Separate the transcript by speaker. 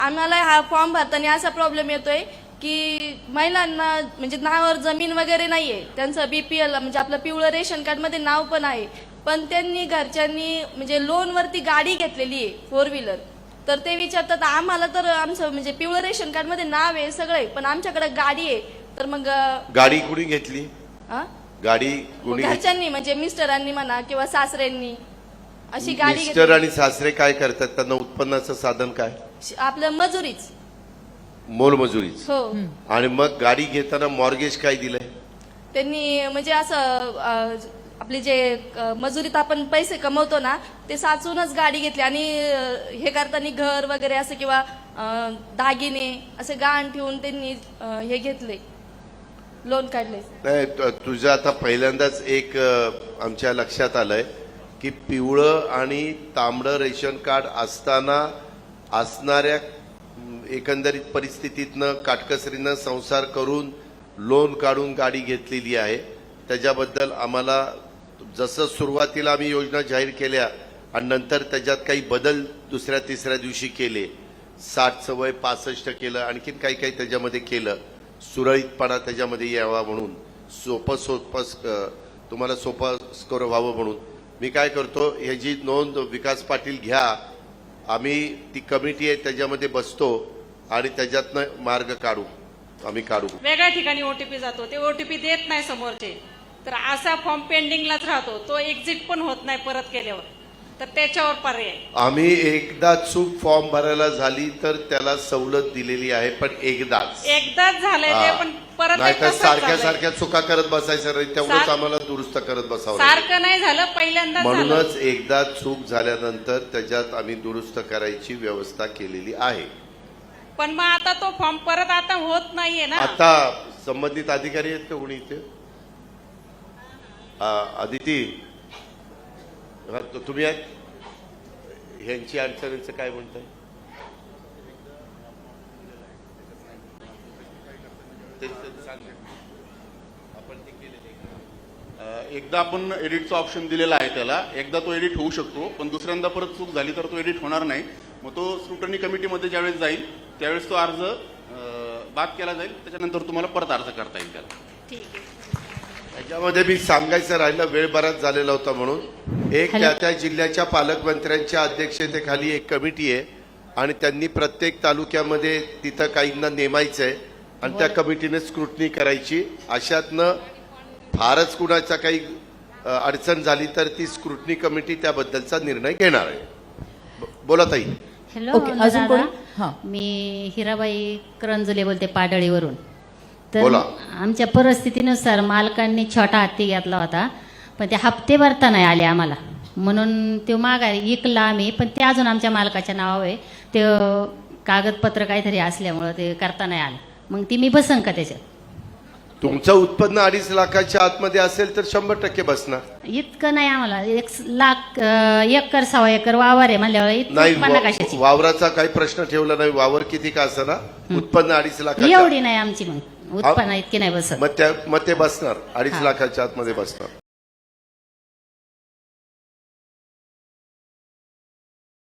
Speaker 1: आम्हाला हा फॉर्म भरताना असा प्रॉब्लेम येतोय की महिलांना म्हणजे नावावर जमीन वगैरे नाहीये, त्यांचं बीपीएल म्हणजे आपलं पिवळं रेशन कार्ड मध्ये नाव पण आहे, पण त्यांनी घरच्यांनी म्हणजे लोनवरती गाडी घेतलेली आहे 4 व्हीलर. तर ते विचारतात आम्हाला तर आमचं म्हणजे पिवळं रेशन कार्ड मध्ये नाव आहे सगळं आहे, पण आमच्याकडे गाडी आहे. तर मग
Speaker 2: गाडी कुणी घेतली? गाडी कुणी?
Speaker 1: घरच्यांनी म्हणजे मिस्टरांनी म्हणा किंवा सासऱ्यांनी अशी गाडी
Speaker 2: मिस्टर
Speaker 1: घेतली.
Speaker 2: आणि सासरे काय करतात? त्यांना उत्पन्नाचं साधन काय?
Speaker 1: आपलं मजुरीच.
Speaker 2: मोलमजुरीच.
Speaker 1: हो.
Speaker 2: आणि मग गाडी घेताना मॉर्गेज काय दिलंय
Speaker 1: त्यांनी? म्हणजे असं आपले जे मजुरीत आपण पैसे कमवतो ना ते साचूनच गाडी घेतली आणि हे करताना घर वगैरे असं किंवा दागिने असे गहाण ठेवून त्यांनी हे घेतले, लोन काढले.
Speaker 2: नाही, तुझं आता पहिल्यांदाच एक आमच्या लक्षात आलंय की पिवळं आणि तांबडं रेशन कार्ड असताना असणाऱ्या एकंदरीत परिस्थितीतनं काटकसरीनं संसार करून लोन काढून गाडी घेतलेली आहे. त्याच्याबद्दल आम्हाला जसं सुरुवातीला आम्ही योजना जाहीर केल्या आणि नंतर त्याच्यात काही बदल दुसऱ्या तिसऱ्या दिवशी केले, 60चं वय 65 केलं, आणखीन काही काही त्याच्यामध्ये केलं, सुरळीतपणा त्याच्यामध्ये यावा म्हणून, तुम्हाला सोपं स्कोर व्हावं म्हणून मी काय करतो, ह्याची नोंद विकास पाटील घ्या, आम्ही ती कमिटी आहे त्याच्यामध्ये बसतो आणि त्याच्यातनं मार्ग काढू, आम्ही काढू.
Speaker 3: वेगळ्या ठिकाणी ओटीपी जातो, ते ओटीपी देत नाही समोरचे, तर असा फॉर्म पेंडिंगलाच राहतो, तो एक्झिट पण होत नाही परत केल्यावर. तर त्याच्यावर पर्याय
Speaker 2: आम्ही एकदा चूक फॉर्म भरायला झाली तर त्याला सवलत दिलेली आहे, पण एकदाच
Speaker 3: झालंय ते, पण परत
Speaker 2: नाही तर
Speaker 3: एकदा
Speaker 2: सारख्या
Speaker 3: झालंय.
Speaker 2: सारख्या चुका करत बसायचं नाही, तेवढंच आम्हाला दुरुस्त करत बसावं लागेल.
Speaker 3: सारखं नाही झालं, पहिल्यांदा
Speaker 2: म्हणूनच एकदा चूक झाल्यानंतर त्याच्यात आम्ही दुरुस्त करायची व्यवस्था केलेली आहे.
Speaker 3: पण मग आता तो फॉर्म परत आता होत नाहीये ना.
Speaker 2: आता संबंधित अधिकारी आहेत का कोणी इथे? अदिती, तुम्ही आहेत? ह्यांची अडचणीचं काय म्हणताय?
Speaker 4: एकदा आपण एडिटचा ऑप्शन दिलेला आहे त्याला, एकदा तो एडिट होऊ शकतो, पण दुसऱ्यांदा परत चूक झाली तर तो एडिट होणार नाही. मग तो स्क्रुटनी कमिटीमध्ये ज्यावेळेस जाईल त्यावेळेस तो अर्ज बाद केला जाईल, त्याच्यानंतर तुम्हाला परत अर्ज करता येईल त्याला.
Speaker 3: ठीक आहे.
Speaker 2: त्याच्यामध्ये मी सांगायचं राहिलं, वेळ बराच झालेला होता म्हणून, एक त्या जिल्ह्याच्या पालकमंत्र्यांच्या अध्यक्षतेखाली एक कमिटी आहे आणि त्यांनी प्रत्येक तालुक्यामध्ये तिथं काहींना नेमायचंय आणि त्या कमिटीने स्क्रुटनी करायची. अशातनं फारच कुणाचा काही अडचण झाली तर ती स्क्रुटनी कमिटी त्याबद्दलचा निर्णय घेणार आहे. बोला ताई.
Speaker 5: हॅलो
Speaker 6: अजून कोणी?
Speaker 5: दादा, मी हिराबाई करंजुले बोलते पाडळीवरून. तर
Speaker 2: बोला.
Speaker 5: आमच्या परिस्थितीनुसार मालकांनी छोटा हत्ती घेतला होता, पण ते हप्ते भरता नाही आले आम्हाला, म्हणून तो माघारी विकला आम्ही, पण ते अजून आमच्या मालकाच्या नावावर आहे. ते कागदपत्र काहीतरी असल्यामुळं ते करता नाही आलं. मग ती मी बसन का त्याच्यात?
Speaker 2: तुमचं उत्पन्न 2.5 लाखाच्या आतमध्ये असेल तर 100% बसणार.
Speaker 5: इतकं नाही आम्हाला, 1 लाख 1 एकर 1.25 एकर वावर आहे म्हणल्यावर इतकं
Speaker 2: नाही,
Speaker 5: उत्पन्न कशाची?
Speaker 2: वावराचा काही प्रश्न ठेवला नाही, वावर किती का असं उत्पन्न 2.5 लाख
Speaker 5: एवढी नाही आमची, मग उत्पन्न इतकी नाही बसत.
Speaker 2: मग ते बसणार 2.5 लाखाच्या आतमध्ये बसणार.